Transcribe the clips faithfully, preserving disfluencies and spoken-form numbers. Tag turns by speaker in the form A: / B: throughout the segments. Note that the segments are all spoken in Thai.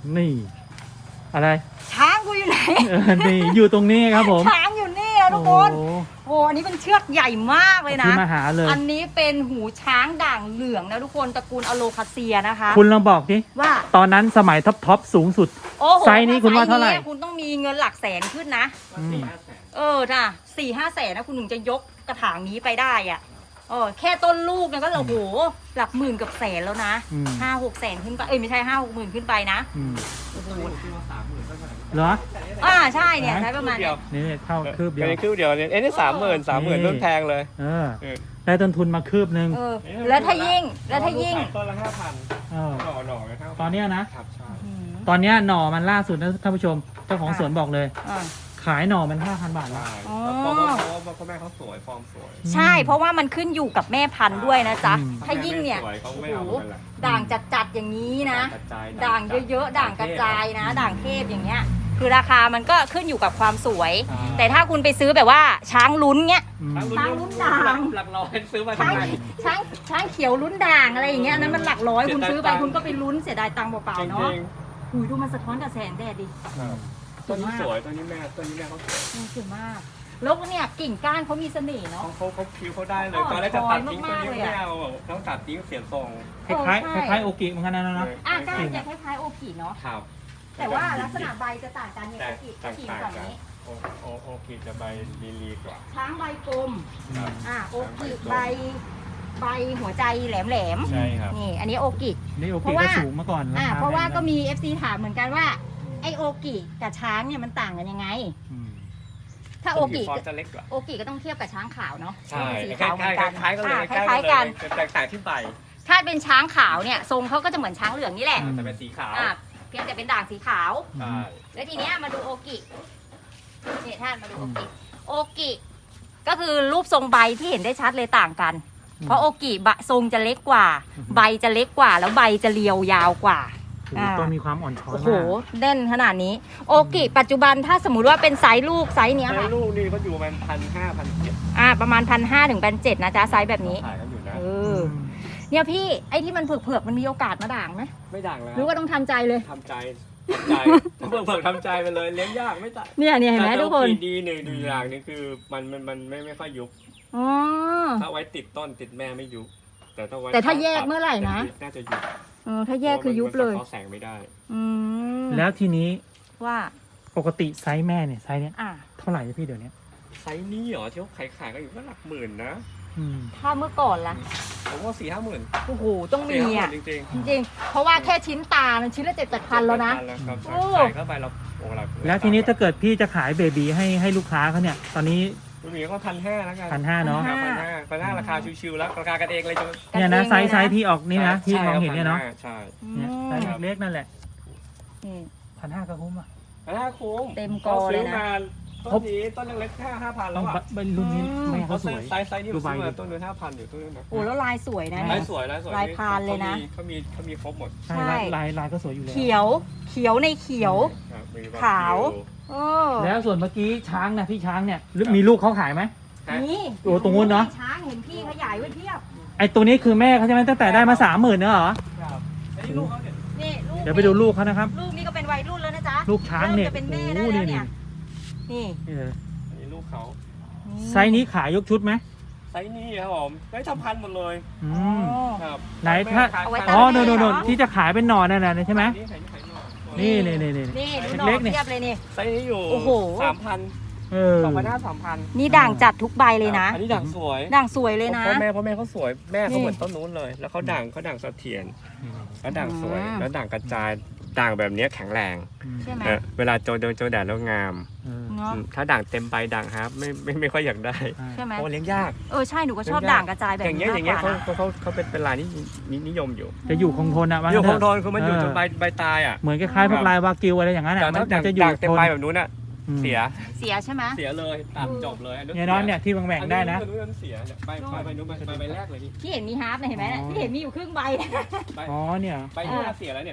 A: นี่อะไร
B: ช้างกูอยู่ไหน
A: นี่อยู่ตรงนี้ครับผม
B: ช้างอยู่นี่นะทุกคนโอ้อันนี้เป็นเชือกใหญ่มากเลยนะ
A: ที่มาหาเลย
B: อันนี้เป็นหูช้างด่างเหลืองนะทุกคนตระกูลอโลคาเซียนะคะ
A: คุณลองบอกดิ
B: ว่า
A: ตอนนั้นสมัยท็อปท็อปสูงสุดไซส์นี้คุณว่าเท่าไหร่
B: คุณต้องมีเงินหลักแสนขึ้นนะเออจ้ะสี่ห้าแสนนะคุณถึงจะยกกระถางนี้ไปได้อ่ะเออแค่ต้นลูกเนี่ยก็โอ้โหหลักหมื่นกับแสนแล้วนะห้าหกแสนขึ้นไปเอ้ยไม่ใช่ห้าหกหมื่นขึ้นไปนะโอ้โห
A: เหรอ
B: อ่าใช่เนี่ยใช้ประมาณ
A: นี่เท่าคืบเดียว
C: คืบเดียวเนี่ยเอ้นี่สามหมื่นสามหมื่นต้นแพงเลย
A: เออได้ต้นทุนมาคืบนึง
B: แล้วถ้ายิ่งแล้วถ้ายิ่ง
C: ต้นละห้าพันหน่อหน่อ
A: ตอนนี้นะตอนนี้หน่อมันล่าสุดนะท่านผู้ชมเจ้าของสวนบอกเลยขายหน่อมันห้าพันบาทแล้ว
C: เพราะว่าพ่อแม่เขาสวยฟอร์มสวย
B: ใช่เพราะว่ามันขึ้นอยู่กับแม่พันธุ์ด้วยนะจ๊ะถ้ายิ่งเนี่ยโอ้โหด่างจัดๆอย่างนี้นะด่างเยอะๆด่างกระจายนะด่างเทพอย่างเงี้ยคือราคามันก็ขึ้นอยู่กับความสวยแต่ถ้าคุณไปซื้อแบบว่าช้างลุ้นเงี้ยช้างลุ้นด่าง
C: หลักร้อยซื้อมา
B: ทำไมช้างช้างเขียวลุ้นด่างอะไรอย่างเงี้ยนั้นมันหลักร้อยคุณซื้อไปคุณก็ไปลุ้นเสียดายตังค์เปล่าๆเนาะหุยดูมันสะท้อนกับแสงแดดดิ
C: ตัวนี้สวยตัวนี้แม่ตัวนี้แม่เขาสวย
B: สวยมากแล้วเนี่ยกิ่งก้านเขามีเสน่ห์เนาะ
C: เขาเขาคิ้วเขาได้เลยตอนแรกจะตัดทิ้งตัวนี้ไม่เอาต้องตัดทิ้งเสียทรง
A: คล้ายคล้ายคล้ายโอกิเหมือนกันนะเนาะ
B: อ่ะก้านจะคล้ายๆโอกิเนาะ
C: ครับ
B: แต่ว่าลักษณะใบจะต่างกันเนี่ยโอกิกิ่งแบบนี้
C: โอโอโอกิจะใบลีลีกว่า
B: ช้างใบกลมอ่ะโอกิใบใบหัวใจแหลมแหลม
C: ใช่ครับ
B: นี่อันนี้โอกิ
A: นี่โอกิก็สูงมาก่อน
B: อ่ะเพราะว่าก็มี เอฟ ซี ถามเหมือนกันว่าไอโอกิกับช้างเนี่ยมันต่างกันยังไงถ้าโอกิ
C: จะเล็กกว่า
B: โอกิก็ต้องเทียบกับช้างขาวเนาะ
C: ใช่
B: สีขาวเหมือนกัน
C: คล้ายกันเลย
B: คล้ายกัน
C: แตกต่างที่ใบ
B: ถ้าเป็นช้างขาวเนี่ยทรงเขาก็จะเหมือนช้างเหลืองนี่แหละ
C: แต่เป็นสีขาว
B: เพียงแต่เป็นด่างสีขาวแล้วทีเนี้ยมาดูโอกินี่ท่านมาดูโอกิโอกิก็คือรูปทรงใบที่เห็นได้ชัดเลยต่างกันเพราะโอกิใบทรงจะเล็กกว่าใบจะเล็กกว่าแล้วใบจะเรียวยาวกว่า
A: ต้นมีความอ่อนช้อยมาก
B: โอ้โหเด่นขนาดนี้โอกิปัจจุบันถ้าสมมุติว่าเป็นไซส์ลูกไซส์เนี้ยค่ะ
C: ไซส์ลูกนี่ก็อยู่ประมาณพันห้าพันเจ็ด
B: อ่าประมาณพันห้าถึงพันเจ็ดนะจ๊ะไซส์แบบนี้
C: ขายกันอยู่นะ
B: เออเนี่ยพี่ไอ้ที่มันเผือกๆมันมีโอกาสมาด่างไหม
C: ไม่ด่างแล้ว
B: หรือว่าต้องทำใจเลย
C: ทำใจทำใจเผือกๆทำใจไปเลยเลี้ยงยากไม่ตาย
B: เนี่ยเนี่ยเห็นไหมทุกคน
C: ดีหนึ่งดีอย่างนึงคือมันมันมันไม่ไม่ค่อยยุบ
B: อ๋อ
C: ถ้าไว้ติดต้นติดแม่ไม่ยุบแต่ถ้าไว้
B: แต่ถ้าแยกเมื่อไหร่นะ
C: น่าจะยุบ
B: เออถ้าแยกคือยุบเลย
C: เขาแสงไม่ได้
B: อืม
A: แล้วทีนี้
B: ว่า
A: ปกติไซส์แม่เนี่ยไซส์เนี้ยเท่าไหร่พี่เดี๋ยวนี้
C: ไซส์นี้เหรอที่เขาขายขายกันอยู่ก็หลักหมื่นนะ
B: ถ้าเมื่อก่อนล่ะ
C: ผมว่าสี่ห้าหมื่น
B: โอ้โหต้องมีอ่ะ
C: จริงจริง
B: จริงเพราะว่าแค่ชิ้นตามันชิ้นละเจ็ดแปดพันแล้วนะ
C: ใส่เข้าไปเราโอ้หลัก
A: แล้วทีนี้ถ้าเกิดพี่จะขายเบบีให้ให้ลูกค้าเขาเนี่ยตอนนี้
C: ลูกหมีก็พันห้าแล้วกัน
A: พันห้าเนาะ
C: พันห้าพันห้าราคาชิวๆแล้วราคากันเองเลย
A: เนี่ยนะไซส์ไซส์ที่ออกนี่นะที่มองเห็นเนี่ยเนาะ
C: ใช่
A: เนี่ยไซส์เล็กนั่นแหละพันห้าก็คุ้มอ่ะ
C: พันห้าคุ้ม
B: เต็มกอเลยนะ
C: ต้นนี้ต้นเล็กๆแค่ห้าพันแล้วอ่ะ
A: รุ่นนี้แม่เขาสวย
C: ไซส์ไซส์นี่ดูใบต้นนู้นห้าพันอยู่ต้นนู้นนะ
B: โอ้แล้วลายสวยนะ
C: ลายสวยลายสวย
B: ลายพานเลยนะ
C: เขามีเขามีครบหมด
A: ใช่ลายลายก็สวยอยู่แล้ว
B: เขียวเขียวในเขียวขาว
A: แล้วส่วนเมื่อกี้ช้างนะพี่ช้างเนี่ยมีลูกเขาขายไหม
B: นี่
A: โอ้ตรงนู้นเนาะ
B: ช้างเห็นพี่ขยายไว้เทียบ
A: ไอตัวนี้คือแม่เขาใช่ไหมตั้งแต่ได้มาสามหมื่นเนอะเหรอ
C: ครับอันนี้ลูกเขาเนี่ย
B: นี่ลูก
A: เดี๋ยวไปดูลูกเขานะครับ
B: ลูกนี่ก็เป็นวัยรุ่นแล้วนะจ๊ะ
A: ลูกช้างเนี่ย
B: จะเป็นแม่ได้แล้วเนี่ยนี่
C: อันนี้ลูกเขา
A: ไซส์นี้ขายยกชุดไหม
C: ไซส์นี้ครับผมได้ทำพันหมดเลย
A: อืมครับไหนถ้าอ๋อโน่นโน่นที่จะขายเป็นหน่อนั่นแหละใช่ไหมนี่นี่นี่นี่
B: เล็กๆเนี่ยเลยนี่
C: ไซส์นี้อยู่สามพันสองพันห้าสามพัน
B: นี่ด่างจัดทุกใบเลยนะ
C: อันนี้ด่างสวย
B: ด่างสวยเลยนะ
C: พ่อแม่พ่อแม่เขาสวยแม่เขาเหมือนต้นนู้นเลยแล้วเขาด่างเขาด่างเสถียรแล้วด่างสวยแล้วด่างกระจายด่างแบบนี้แข็งแรงเวลาโจโดนโจแดดแล้วงามถ้าด่างเต็มใบด่างครับไม่ไม่ไม่ค่อยอยากได้เพราะเลี้ยงยาก
B: เออใช่หนูก็ชอบด่างกระจายแบบ
C: อย่างเงี้ยอย่างเงี้ยเขาเขาเขาเป็นเป็นลายที่นิยมอยู่
A: จะอยู่คงทนอะ
C: อยู่คงทนคือมันอยู่จนใบใบตายอ่ะ
A: เหมือนคล้ายๆพวกลายวากิวอะไรอย่างนั้นอะ
C: มันจะอยู่เต็มใบแบบนู้นอ่ะเสีย
B: เสียใช่ไหม
C: เสียเลยตัดจบเลย
A: เนี่ยน้องเนี่ยที่แบ่งๆได้นะ
C: เสียใบใบใบนู้นใบใบแรกเลย
B: ที่เห็นมีฮาร์ปเห็นไหมที่เห็นมีอยู่ครึ่งใบ
A: อ๋อเนี่ย
C: ใบนี้เสียแล้วเนี่ย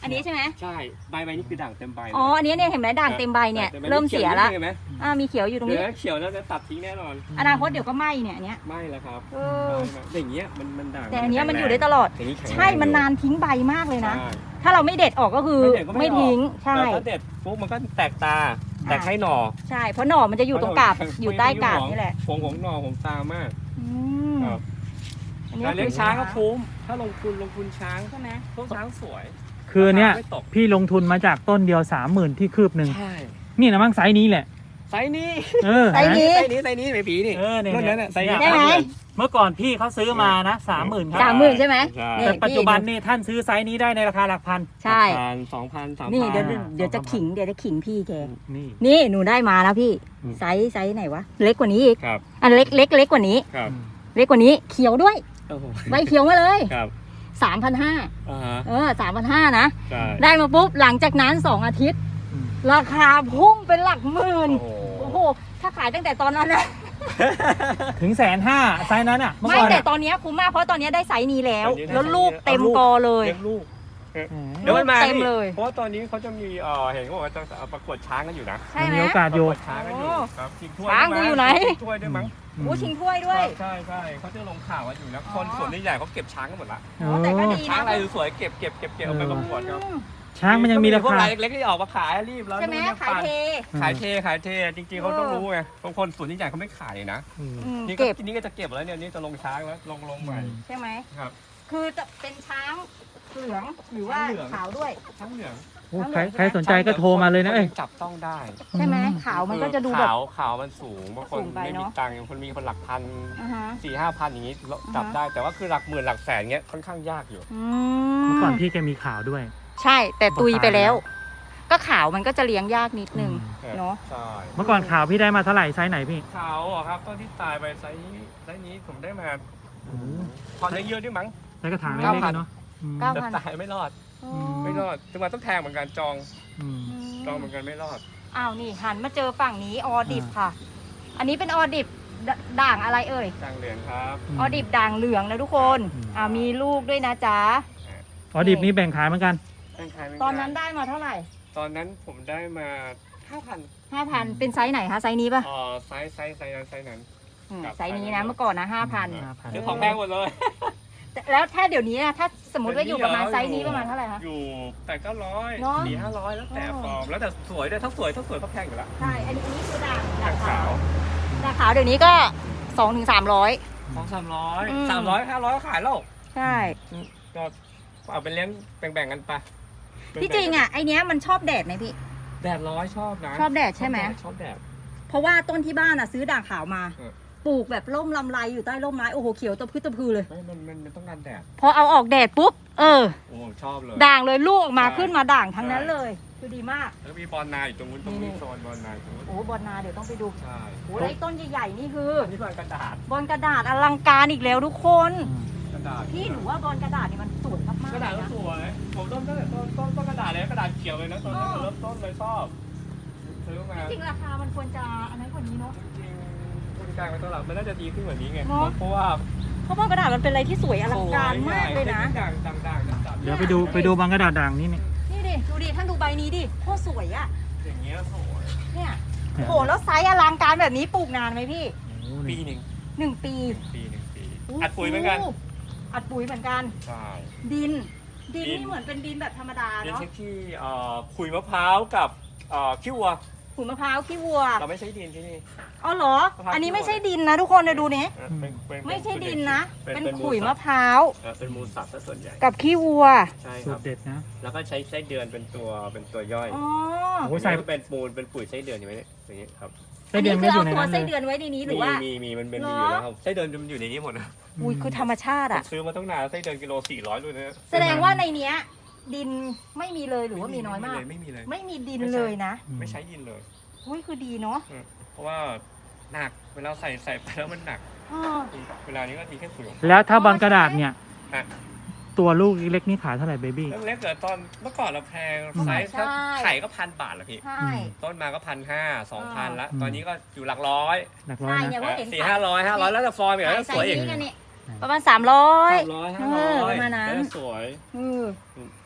B: อันนี้ใช่ไหม
C: ใช่ใบใบนี่คือด่างเต็มใบ
B: อ๋ออันนี้เนี่ยเห็นไหมด่างเต็มใบเนี่ยเริ่มเสียแล้ว
C: เห็นไหม
B: อ่ามีเขียวอยู่ตรง
C: เดี๋ย
B: นี้
C: วเขียวแล้วจะตัดทิ้งแน่นอน
B: อนาคตเดี๋ยวก็ไหม้เนี่ยอันเนี้ย
C: ไม่แล้วครับ
B: เออ
C: อย่างเงี้ยมันมันด่าง
B: แต่อันเนี้ยมันอยู่ได้ตลอด
C: อย่างนี้แข็งแรง
B: ใช่มันนานทิ้งใบมากเลยนะ
C: ใช่
B: ถ้าเราไม่เด็ดออกก็คือ
C: ไม่เด็ดก็ไม่
B: ไม่
C: ออก
B: ทิ้งใช่
C: แต่ถ้าเด็ดปุ๊บมันก็แตกตาแตกให้หน่อ
B: ใช่เพราะหน่อมันจะอยู่ตรงกาบอยู่ใต้กาบนี่แหละ
C: ผงของหน่อของตามาก
B: อืม
C: ครับ
B: อันนี้
C: การเลี้ยง
B: คือ
C: ช้างก็คุ้มถ้าลงทุนลงทุนช้าง
B: ใช่ไหม
C: พวกช้างสวย
A: คือเนี้ย
C: ไม่ตก
A: พี่ลงทุนมาจากต้นเดียวสามหมื่นที่คืบหนึ่ง
C: ใช่
A: นี่นะมั้งไซส์นี้แหละ
C: ไซส์นี้
A: เออ
B: ไซส์นี้
C: ไซส์นี้ไซส์นี้ไม่ผีนี่
A: เออเนี่ย
C: รุ่นนั้นน่ะไซส์นี้
B: ได้ไหม
A: เมื่อก่อนพี่เขาซื้อมานะสามหมื่นครั
B: สามหมื่นใช่ไหม
C: ใช่
B: นี่
A: แต่ปัจจุบันนี่ท่านซื้อไซส์นี้ได้ในราคาหลักพัน
B: ใช่
C: พันสองพันสามพัน
B: นี่เดี๋ยว
A: อ่า
B: เดี๋ยวจะขิงเดี๋ยวจะขิงพี่แก
A: นี่
B: นี่หนูได้มาแล้วพี่
A: อืม
B: ไซส์ไซส์ไหนวะเล็กกว่านี้อีก
C: ครับ
B: อันเล็กเล็กเล็กกว่านี้
C: ครับ
B: เล็กกว่านี้เขียวด้วย
C: โอ้โห
B: ใบเขียวมาเลย
C: ครับ
B: สามพันห้า
C: อ่าฮะ
B: เออสามพันห้านะ
C: ใช่
B: ได้มาปุ๊บหลังจากนั้นสองอาทิตย์
A: อืม
B: ราคาพุ่งเป็นหลักหมื่น
C: โอ้โห
B: โอ้โหถ้าขายตั้งแต่ตอนนั้นนะ
A: ถึงแสนห้าไซส์นั้นอ่ะเมื่อ
B: ไม่
A: ก่อน
B: แต่
A: อะ
B: ตอนเนี้ยคุ้มมากเพราะตอนเนี้ยได้ไซส์นี้แล้ว
C: ตอนนี้ได้
B: แล้วลูก
C: ไซส์นี้
B: เต็มกอเลย
C: เลี้ยงลูก
A: อืม
C: เดี๋ยวมันมา
B: เต็ม
C: นี่
B: เลย
C: เพราะว่าตอนนี้เขาจะมีเอ่อเห็นเขาบอกว่าจะเอาประกวดช้างกันอยู่นะ
B: ใช่ไหม
A: มีโอกาส
C: ประ
A: อยู่
C: กวดช้างกันอยู่
B: โอ้
C: ครับชิงถ้วย
B: ช้าง
C: ด้ว
B: กูอยู่ไหน
C: ชิงถ้วยด้วยมั้ง
A: อืม
B: โอ้ชิงถ้วยด้วย
C: ใช่ใช่เขาจะลงข่าวกันอยู่นะ
B: อ๋อ
C: คนส่วนใหญ่เขาเก็บช้างกันหมดละ
A: เอ
B: แต่ก็
A: อ
B: ดี
C: ช้างอะไรสวยๆเก็บเก็บเก็บเก็บเอาไปประกวดครับ
B: อืม
A: ช้างมันยังมีรา
C: พวก
A: คา
C: รายเล็กๆที่ออกมาขายรีบแล้ว
B: ใช่ไหม
C: นู่นนี่
B: ขายเท
C: ขายเทขายเทจริงๆเขาต้องรู้ไงบางคนส่วนใหญ่เขาไม่ขายเลยนะ
A: อืม
B: อืม
C: นี่ก็
B: เก็บ
C: นี่ก็จะเก็บแล้วเนี่ยนี่จะลงช้างแล้วลงลงใหม่
B: ใช่ไหม
C: ครับ
B: คือจะเป็นช้างเหลืองหรือว่า
C: ช้างเหลือง
B: ขาวด้วย
C: ช้างเหลือง
A: โอ้ใครใครสนใจก็โทรมาเลยนะเอ้ย
C: จับต้องได้
B: ใช่ไหม
A: อืม
B: ขาวมันก็จะดูแบบ
C: ขาวขาวมันสูงบางคน
B: สูงไป
C: ไม่
B: เน
C: มี
B: อะ
C: ตังค์คนมีคนหลักพัน
B: อ่าฮะ
C: สี่ห้าพันอย่างนี้จับได้แต่ว่าคือหลักหมื่นหลักแสนเงี้ยค่อนข้างยากอยู่
B: อื
A: เมื่อก่อน
B: ม
A: พี่แกมีข่าวด้วย
B: ใช่แต่ตุยไปแล้ว ก็ขาวมันก็จะเลี้ยงยากนิดนึง
A: อืม
B: เนาะ
C: ใช่
A: เมื่อก่อนข่าวพี่ได้มาเท่าไหร่ไซส์ไหนพี่
C: ขาวเหรอครับตอนที่ตายไปไซส์นี้ไซส์นี้ผมได้มา
A: โอ้โห
C: พอได้เยอะด้วยมั้ง
A: ไซส์กระถางเล็
C: เก้าก พัน
A: ๆเนาะอืม
B: เก้า
C: แต่
B: พัน
C: ตายไม่รอด
B: อ๋อ
C: ไม่รอดจังหวะต้องแทงเหมือนกันจอง
A: อืม
C: จองเหมือนกันไม่รอด
B: อ้าวนี่หันมาเจอฝั่งนี้ออดิบค่ะ อันนี้เป็นออดิบดด่างอะไรเอ่ย
C: จางเหรียญครับ
B: ออดิบด่างเหลืองนะทุกคน
A: อืม
B: อ่ามีลูกด้วยนะจ๊ะ
A: อ๋อดิบนี้แบ่งขายเหมือนกัน
C: แบ่งขายเหมื
B: ตอนนั้นได้มาเท่าไหร่
C: ตอนนั้นผมได้มาห้าพัน
B: ห้าพันเป็นไซส์ไหนคะไซส์นี้ป่ะ
C: อ๋อไซส์ไซส์ไซส์นั้นไซส์นั้น
B: อืม
C: ครับ
B: ไซส์นี้นะเมื่อก่อนนะห้าพัน
A: ห้าพัน
C: ซื้อของแพงหมดเลย
B: แล้วถ้าเดี๋ยวนี้นะถ้าสมมติว่าอยู่ประมาณไซส์นี้ประมาณเท่าไหร่คะ
C: อยู่แต่เก้าร้อย
B: เนอะ
C: สี่ห้าร้อยแล้วแต่
B: อ๋อ
C: ฟอร์มแล้วแต่สวยด้วยถ้าสวยถ้าสวยก็แพงอยู่แล้ว
B: ใช่ อันนี้อันนี้คือด่างด่าง
C: ขาว
B: ด่างขาวเดี๋ยวนี้ก็สองถึงสามร้อย
C: สองสามร้อย
B: อืม
C: สามร้อยห้าร้อยขายแล้ว
B: ใช่
C: ก็เอาไปเลี้ยงแบ่งๆกันไป
B: ที่จริงอ่ะไอเนี้ยมันชอบแดดไหมพี่
C: แดดร้อยชอบนะ
B: ชอบแดดใช่ไหม
C: ชอบแดด
B: เพราะว่าต้นที่บ้านอ่ะซื้อด่างขาวมา
C: เออ
B: ปลูกแบบร่มลำไรอยู่ใต้ร่มไม้โอ้โหเขียวตะพื้ตะพือเลย
C: ไม่มันมันมันต้องการแดด
B: พอเอาออกแดดปุ๊บเออ
C: โอ้ชอบเลย
B: ด่างเลยลูกออกมา
C: ใช่
B: ขึ้นมาด่างทั้งนั้น
C: ใช่
B: เลย คือดีมาก
C: แล้วมีบอลนาอยู่ตรงนู้นตรง
B: นี่
C: นี้โซนบอลนาตรงนู้น
B: โอ้บอลนาเดี๋ยวต้องไปดู
C: ใช่
B: โอ้ไอ้ต้นใหญ่ๆนี่คือ
C: อันนี้บอลกระดาษ
B: บอลกระดาษอลังการอีกแล้วทุกคน
A: อืม
C: กระดาษ
B: พี่หนูว่าบอลกระดาษนี่มันสวยมากๆ
C: กระดาษ
B: เล
C: ก็
B: ยนะ
C: สวยผมต้นตั้งแต่ต้นต้นต้นกระดาษเลยกระดาษเขียวเลยนะตอนนั้น
B: อ๋อ
C: เริ่มต้นเลยชอบซื้อมา
B: จริงๆราคามันควรจะอันนั้นกว่านี้เนาะ
C: จริงๆบริการมาตลาดมันน่าจะดีขึ้นกว่านี้ไง
B: เนอะ
C: เพราะว่า
B: เพราะบอลกระดาษมันเป็นอะไรที่สวยอลังการมากเลยนะ
C: ด่างด่างด่างด่าง
A: เดี๋ยวไปดูไปดูบางกระดาษด่างนี่เนี่ย
B: นี่ดิดูดิท่านดูใบนี้ดิโคตรสวยอ่ะ
C: อย่างเงี้ยสวย
B: เนี่ยโอ้โหแล้วไซส์อลังการแบบนี้ปลูกนานไหมพี่
A: โอ้
C: ปี
A: นี่
C: หนึ่ง
B: หนึ่งปี
C: ปีหนึ่งปีอัดปุ๋ยเหมือนกัน
B: อัดปุ๋ยเหมือนกัน
C: ใช่
B: ดิน ดิน
C: ดิน
B: นี่เหมือนเป็นดินแบบธรรมดา
C: เรียน
B: เนาะ
C: เช็คที่เอ่อขุยมะพร้าวกับเอ่อขี้วัว
B: ขุยมะพร้าวขี้วัว
C: เราไม่ใช้ดินที่นี่
B: อ๋อเหรอ
C: มะพร้าว
B: อันนี้ไม่ใช่ดินนะทุกคนเดี๋ยวดูนี้
C: เออเป็นเป็น
B: ไม่ใช่ดินนะ
C: เป็
B: เป็น
C: เป็น
B: ขุย
C: สั
B: มะ
C: ตว์
B: พร้าว
C: เออเป็นมูลสัตว์ซะส่วนใหญ่
B: กับขี้วัว
C: ใช่ค
A: สู
C: รั
A: ต
C: บ
A: รเด็ดนะ
C: แล้วก็ใช้ไส้เดือนเป็นตัวเป็นตัวย่อย
B: อ๋อ
A: โอ้ยใส่
C: อันนี้เป็นมูลเป็นปุ๋ยไส้เดือนอยู่ไหมเนี่ยอย่างนี้ครับ
A: ไส้เดือนไม่
B: คื
A: อยู่
B: เอา
A: ใน
B: ตัว
A: นั้นเล
B: ไส้
A: ย
B: เดือนไว้ในนี้หรือ
C: มี
B: ว่า
C: มีมีมันเป็น
B: เหรอ
C: มีอยู่แล้วครับไส้เดือนมันอยู่ในนี้หมดนะ
B: อุ้ยคือธรรมชาติ
C: ผม
B: อ่ะ
C: ซื้อมาตั้งนานไส้เดือนกิโลสี่ร้อยด้วยนะ
B: แสดงว่าในเนี้ย ดินไม่มีเลยหรือว่ามีน้อยมาก
C: ไม่มีเลย
B: ไม่มีดินเลยนะ
C: ไม่ใช้ดินเลย
B: อุ้ยคือดีเนาะ
C: เพราะว่าหนักเวลาใส่ใส่ไปแล้วมันหนัก
B: อ๋อ
C: เวลานี้ก็มีแค่ขุยของ
A: แล้วถ้าบอลกระดาษเนี่ย
C: ฮะ
A: ตัวลูกเล็กนี่ขายเท่าไหร่เบบี้
C: เรื่องเล็กเกิดตอนเมื่อก่อนเราแพงไซส์ถ้าไข่ก็พันบาทละพี่
B: ใช่
C: ต้นมาก็พันห้าสองพันละ
A: อืม
C: ตอนนี้ก็อยู่หลักร้อย
A: หลักร้อย
B: ใช่
A: นะ
B: เนี่ยว่าเห็น
C: สี่ห้าร้อยห้าร้อยแล้วแต่ฟอร์มอย่างนั้นสวยอีก
B: ใส่นี้กันนี่ประมาณสามร้อย
C: สามร้อยห้าร้อย
B: ประมาณนั้น
C: แล้วสวย
B: เออ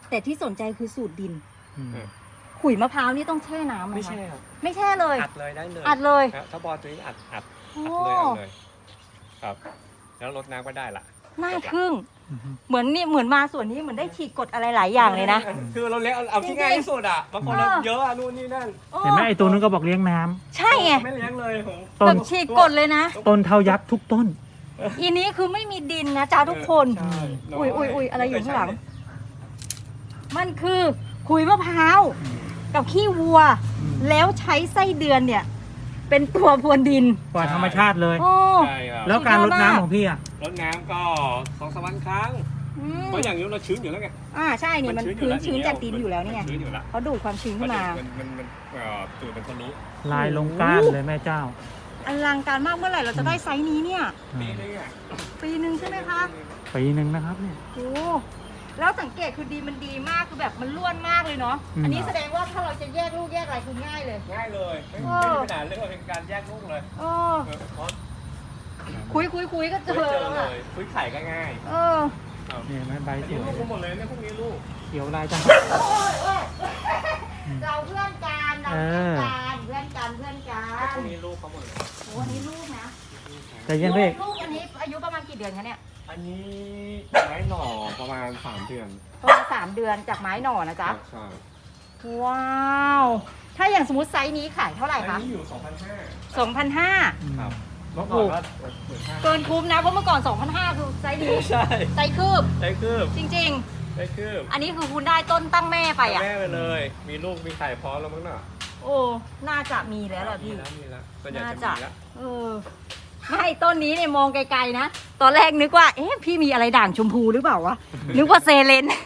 B: แต่ที่สนใจคือสูตรดิน
A: อืม
B: ขุยมะพร้าวนี่ต้องแช่น้ำไหม
C: ไม่
B: คะ
C: ใช่ครับ
B: ไม่แช่เลย
C: อัดเลยได้เลย
B: อัดเลย
C: ครับถ้าบอลตัวนี้อัดอัด
B: โอ้
C: อัดเลยอัดเลยครับ แล้วลดน้ำก็ได้ละ
B: น่าทึ่ง
A: อืม
B: เหมือนนี่เหมือนมาส่วนนี้เหมือนได้ฉีกกฎอะไรหลายอย่างเลยนะ
C: คือเราเล็กเอาเอาที่ง่ายที่สุดอ่ะบางคนเราเยอะอะนู่นนี่นั่น
A: เห็นไหมไอ้ตัวนู้นก็บอกเลี้ยงน้ำ
B: ใช่ไง
C: ไม่เลี้ยงเลยผม
A: ต้
B: แบ
A: น
B: บฉีกกฎเลยนะ
A: ต้นเท่ายักษ์ทุกต้น
B: อีนี้คือไม่มีดินนะจ้าทุกคน
C: ใช่
B: อุ้ยอุ้ยอุ้ยอะไรอยู่ข้างหลัง มันคือขุยมะพร้าว กับขี้วัว
A: อืม
B: แล้วใช้ไส้เดือนเนี่ย เป็นตัวพรวนดิน
A: กว่าธรรมชาติเลย
B: โอ้
C: ใช่ครับ
A: แล้วการรดน้ำของพี่อ่ะ
C: รดน้ำก็สองสามวันครั้ง
B: อืม
C: เพราะอย่างนี้เราชื้นอยู่แล้วไง
B: อ่าใช่นี่มันชื้นชื้นจากดินอยู่แล้วนี่ไง
C: ชื้นอยู่แล้ว
B: เขาดูดความชื้นขึ้นมา
C: มันมันมันเอ่อตูดเป็นคนรู้
A: ลายลงก้านเลยแม่เจ้า
B: อลังการมากเมื่อไหร่เราจะได้ไซส์นี้เนี่ย
C: ปีนึงอ่ะ
B: ปีหนึ่งใช่ไหมคะ
A: ปีหนึ่งนะครับเนี่ย
B: โอ้แล้วสังเกตคือดีมันดีมากคือแบบมันล้วนมากเลยเนาะ
A: อืม
B: อันนี้แสดงว่าถ้าเราจะแยกลูกแยกอะไรคือง่ายเลย
C: ง่ายเลยไม่
B: เอ
C: ไม่
B: อ
C: มีปัญหาเรื่องเป็นการแยกลูกเลย
B: เออ
C: เออเพราะ
B: คุยคุยคุยก็เจ
C: ไม่
B: อ
C: เจอ
B: แล้ว
C: เล
B: อะ
C: ยคุยไข่ก็ง่าย
B: เออ
C: ครับ
A: นี่ไหมใบ
C: อัน
A: ส
C: นี้
A: วย
C: ลูกหมดเลยเนี่ยพวกนี้ลูก
A: เขียวลายจัง
B: เราเพื่อนกันเรา
A: เอ
B: เพื่อน
A: อ
B: กันเพื่อนกันเพื่อนกัน
C: พวกนี้ลูกเขาหมดเลย
B: โอ้อันนี้ลูกนะ
A: แต่ยังเล็ก
B: ลูกอันนี้อายุประมาณกี่เดือนคะเนี่ย
C: อันนี้ไม้หน่อประมาณสามเดือน
B: ประมาณสามเดือนจากไม้หน่อนะจ๊ะ
C: ใช่
B: ว้าว ถ้าอย่างสมมติไซส์นี้ขายเท่าไหร่
C: อัน
B: คะ
C: นี้อยู่สองพันห้า
B: สองพันห้า
C: ครับเมื่อก่อนก็หมื่นห้า
B: เกินคุ้มนะเพราะเมื่อก่อนสองพันห้าคือไซส์นี้
C: ใช่
B: ไซส์คืบ
C: ได้คืบ
B: จริง
C: ได้คืบ
B: ๆ อันนี้คือคุณได้ต้นตั้งแม่ไปอ่ะ
C: แม่ไปเลย มีลูกมีไข่พร้อมแล้วมั้งน่ะ
B: โอ้ น่าจะมีแล้วล่ะ
C: มี
B: พี่
C: แล้วมีแล้วส่วนใหญ่
B: น่า
C: จะ
B: จะ
C: มีแล้ว
B: เออ ไม่ต้นนี้เนี่ยมองไกลๆนะ ตอนแรกนึกว่า เอ๊ะ พี่มีอะไรด่างชมพูหรือเปล่าวะ นึกว่าเซเลน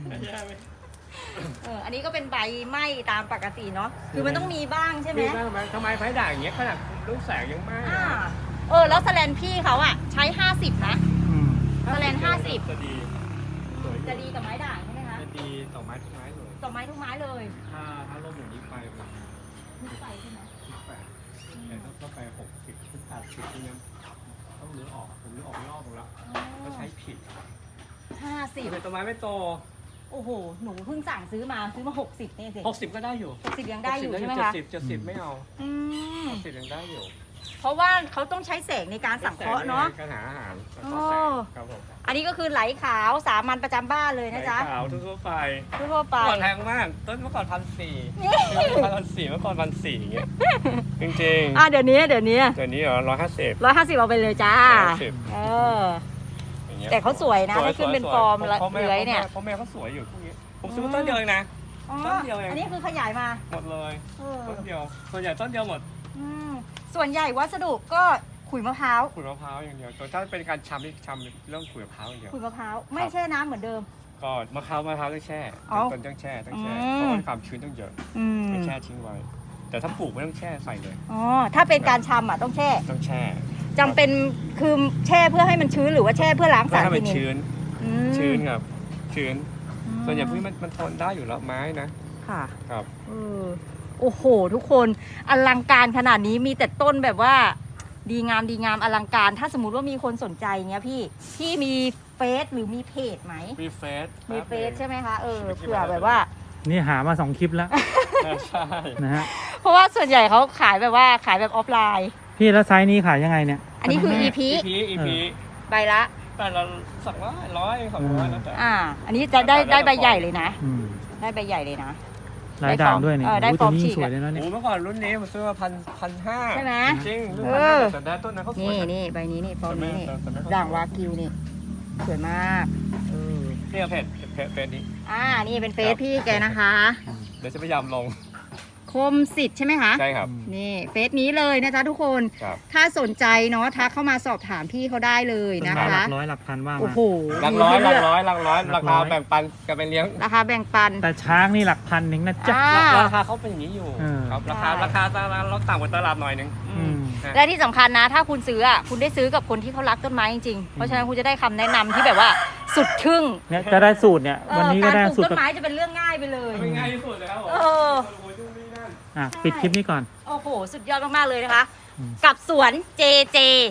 B: เออ อันนี้ก็เป็นใบไหม้ตามปกติเนาะ คือมันต้องมีบ้างใช่ไหม
C: มีบ้างไหมทำไมไฟด่างอย่างเงี้ยขนาดลูกแสงยังไหม้
B: อ่า เออ แล้วแสแลนพี่เขาอะใช้ห้าสิบนะ
A: อืม
B: แสลนห้าสิบ
C: จะดีสวย
B: จะดีกับไม้ด่างใช่ไหมคะ
C: จะดีต่อไม้ทุกไม้เลย
B: ต่อไม้ทุกไม้เลย
C: ถ้าถ้าลมอย่างนี้ไปแบบ
B: ทุกใบใช่ไหม
C: สิบแปดแต่ถ้าต้องไปหกสิบถึงแปดสิบที่เนี้ยต้องรื้อออกผมรื้อออกรอบหมดแล้วก็ใช้ผิด
B: ห้าสิบ
C: เป็นต้นไม้ไม่โต
B: โอ้โห หนูเพิ่งสั่งซื้อมาซื้อมาหกสิบนี่สิ
C: หกสิบก็ได้อยู่
B: หกสิบยังได้อยู่ใช่ไหม
C: เจ็ด
B: คะ
C: สิบเจ็ดสิบไม่เอา
B: อืม
C: หกสิบยังได้อยู่
B: เพราะว่าเขาต้องใช้แสงในการสังเคราะห์เนาะ
C: การหาอาหารแล้ว
B: โอ้
C: ก็แสงครับผม
B: อันนี้ก็คือไหลขาวสามัญประจำบ้านเลยนะจ๊ะ
C: ขาวทั่วๆไป
B: ทั่วๆไป
C: เมื่อก่อนแพงมาก ต้นเมื่อก่อนพันสี่
B: นี่
C: พันสี่เมื่อก่อนพันสี่อย่างเงี้ย จริง
B: อ่ะเดี๋ยวนี้เดี๋ยวนี้
C: ๆเดี๋ยวนี้เหรอร้อยห้าสิบ
B: ร้อยห้าสิบเอาไปเลยจ้า
C: ร้อยห้าสิบ
B: เออ
C: อย่างเงี้ย
B: แต่เขาสวยนะ
C: สวย
B: ให้ขึ้นเป็น
C: สวย
B: ฟอร์ม
C: เพราะแม่
B: เลื้อยเนี่ย
C: เพราะแม่เขาสวยอยู่พวกนี้ ผมซื้อมาต้นเดียวเองนะ
B: อ๋อ
C: ต้นเดียวเอง
B: อันนี้คือขยายมา
C: หมดเลย
B: เออ
C: ต้นเดียว ส่วนใหญ่ต้นเดียวหมด
B: อืมส่วนใหญ่วัสดุก็ขุยมะพร้าว
C: ขุยมะพร้าวอย่างเดียวแต่ถ้าเป็นการชำนี่ชำเรื่องขุยมะพร้าวอย่างเดียว
B: ขุยมะพร้าวไม่แช่น้ำเหมือนเดิม
C: ก็มะพร้าวมะพร้าวต้องแช่
B: อ๋อ
C: ต้นต้องแช่ต้องแช่
B: อืม
C: เพราะว่าความชื้นต้องเยอะ
B: อืม
C: ต้องแช่ทิ้งไว้ แต่ถ้าปลูกไม่ต้องแช่ใส่เลย
B: อ๋อถ้าเป็นการชำอ่ะต้องแช่
C: ต้องแช่
B: จำเป็นคือแช่เพื่อให้มันชื้นหรือว่าแช่เพื่อล้าง
C: เพื่อ
B: สาร
C: ให้
B: เค
C: มัน
B: มี
C: ชื้น
B: อืม
C: ชื้นครับ ชื้น
B: อืม
C: ส่วนใหญ่พวกนี้มันมันทนได้อยู่แล้วไม้นะ
B: ค่ะ
C: ครับ
B: เออโอ้โห ทุกคนอลังการขนาดนี้มีแต่ต้นแบบว่า ดีงามดีงามอลังการ ถ้าสมมุติว่ามีคนสนใจเงี้ยพี่พี่มีเฟซหรือมีเพจไหม
C: มีเฟส
B: มีเฟซใช่ไหมคะเออเผื่อแบบว่า
A: นี่หามาสองคลิปแล้ว
C: ใช่
A: นะฮะ
B: เพราะว่าส่วนใหญ่เขาขายแบบว่าขายแบบออฟไลน์
A: พี่แล้วไซส์นี้ขายยังไงเนี่ย
B: อันนี้คือ
A: แม่
B: อี พี
C: อีพีอีพี
B: ใบละ
C: แต่เราสั่งร้อยร้อยสองร้อยแล้วแต่
B: อ่า อันนี้จะได้ได้ใบใหญ่เลยนะ
A: อืม
B: ได้ใบใหญ่เลยนะ
A: ลายด่างด้วยเนี่ย
B: เออได้
A: โอ้ย
B: ฟ
A: ตั
B: อ
A: ว
B: ร์ม
A: นี้
B: ฉีก
A: สวยเลยนะเนี่ย
C: โอ้เมื่อก่อนรุ่นนี้มันซื้อมาพันพันห้า
B: ใช่ไหม
C: จริงรุ่น
B: เอ
C: พันห้า
B: อ
C: แต่ได้ต้นนั้นเขาสว
B: นี่
C: ย
B: นี่ใบนี้นี่ฟอร์มนี้นี่
C: แต่ไม่ค่อย
B: ด่างวากิวนี่สวยมากเออ
C: นี่เพจเพจเพจนี้
B: อ่านี่เป็นเฟซพี่แกนะคะ
C: เดี๋ยวจะพยายามลง
B: คมสิทธิ์ใช่ไหมคะ
C: ใช่ครับ
B: นี่เฟซนี้เลยนะจ๊ะทุกคน
C: ครับ
B: ถ้าสนใจเนาะทักเข้ามาสอบถามพี่เขาได้เลยนะ
A: ต้นไม้ห
B: คะ
A: ลักร้อยหลักพันว่า
B: โอ้
A: มา
B: โห
C: หลักร้อยหลัก
B: มี
C: ร้อยหลักร้อย
A: หลั
C: ราก
A: ร้
C: คา
A: อย
C: แบ่งปันกันไปเลี้ยง
B: ราคาแบ่งปัน
A: แต่ช้างนี่หลักพันหนึ่งนะจ๊ะ
B: อ่า
C: ราคาเขาเป็นอย่างนี้อยู่
A: เออ
C: ครับราคา
B: ใช่
C: ราคาเราต่ำกว่าตลาดหน่อยนึง
B: อืม
C: นะ
B: และที่สำคัญนะ ถ้าคุณซื้ออ่ะคุณได้ซื้อกับคนที่เขารักต้นไม้จริงๆ เพราะฉะนั้นคุณจะได้คำแนะนำที่แบบว่าสุดทึ่ง
A: เนี่ยจะได้สูตรเนี่ย
B: เอ
A: วัน
B: อ
A: นี้ก็
B: การ
A: ได้
B: ปลูก
A: สูตร
B: ต้นไม้จะเป็นเรื่องง่ายไปเลย
C: เป็นง่ายที่สุดเลยครับผม
B: เออ
C: โอ้โหยุ่งนี่นั่น
A: อ่ะปิดคลิปนี้ก่อน
B: โอ้โห สุดยอดมากๆเลยนะคะ
A: อืม
B: กับสวน เจ เจ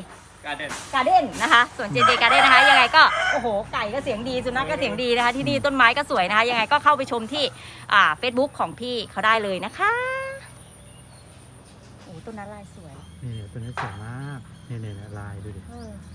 C: การ์เด้น
B: การ์เด้นนะคะสวนเจเจการ์เด้นนะคะยังไงก็โอ้โหไก่ก็เสียงดีสุนัขก็เสียงดีนะคะที่นี่ต้นไม้ก็สวยนะคะยังไงก็เข้าไปชมที่อ่าเฟซบุ๊กของพี่เขาได้เลยนะคะโอ้ต้นนั้นลายสวย
A: นี่ต้นนี้สวยมากนี่เนี่ยลายดูดิ
B: เออ